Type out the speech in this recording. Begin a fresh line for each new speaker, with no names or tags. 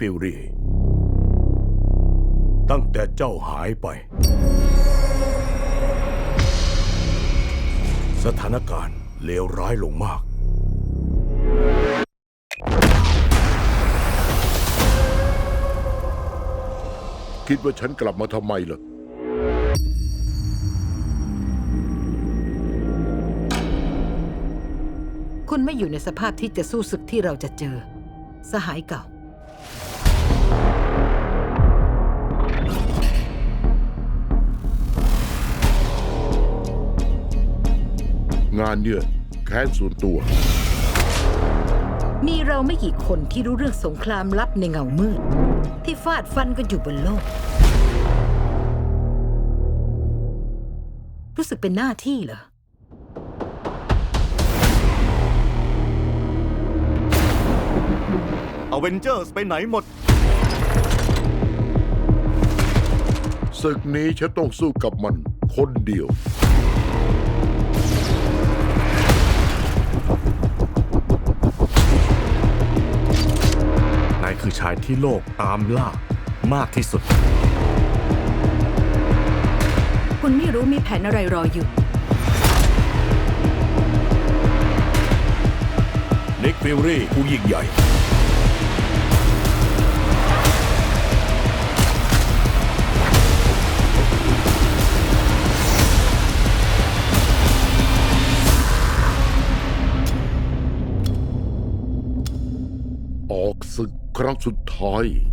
ฟิลลี่ตั้งแต่เจ้าหายไปสถานการณ์เลวร้ายลงมาก
คิดว่าฉันกลับมาทำไมล่ะ
คุณไม่อยู่ในสภาพที่จะสู้ศึกที่เราจะเจอสหายเก่า
งานเนี่ยแค้นส่วนตัว
มีเราไม่กี่คนที่รู้เรื่องสงครามลับในเงามืดที่ฟาดฟันกันอยู่บนโลก รู้สึกเป็นหน้าที่เหรอ
อเวนเจอร์สไปไหนหมด
ศึกนี้ฉันต้องสู้กับมันคนเดียว
นายคือชายที่โลกตามล่ามากที่สุด
คุณไม่รู้มีแผนอะไรรออยู่
นิกฟิลลี่ผู้ยิ่งใหญ่
ออกศึกครั้งสุดท้าย